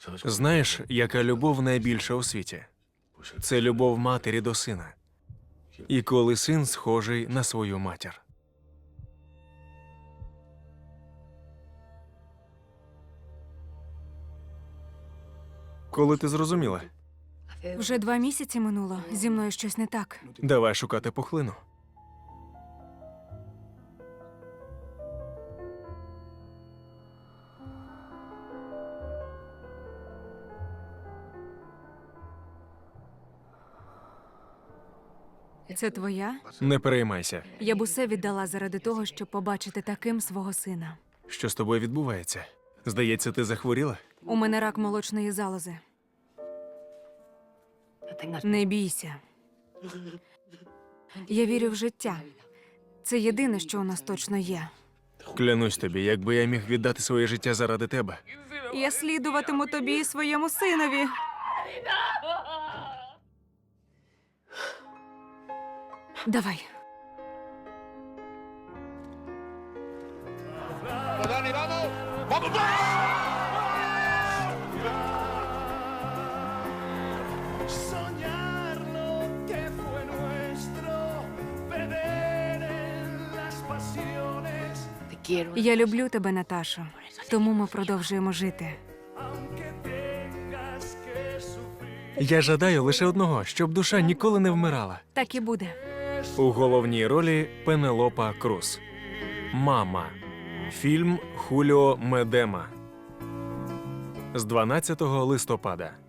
Знаєш, яка любов найбільша у світі? Це любов матері до сина. І коли син схожий на свою матір. Коли ти зрозуміла? Вже 2 місяці минуло. Зі мною щось не так. Давай шукати пухлину. Це твоя? Не переймайся. Я б усе віддала заради того, щоб побачити таким свого сина. Що з тобою відбувається? Здається, ти захворіла? У мене рак молочної залози. Не бійся. Я вірю в життя. Це єдине, що у нас точно є. Клянусь тобі, якби я міг віддати своє життя заради тебе. Я слідуватиму тобі і своєму синові. Давай. Soñar lo que fue nuestro, perder en las pasiones, Я люблю тебе, Наташо. Тому ми продовжуємо жити. aunque tengas que sufrir. Я жадаю лише одного, щоб душа ніколи не вмирала. Так і буде. У головній ролі Пенелопа Круз. Мама. Фільм Хуліо Медема. З 12 листопада.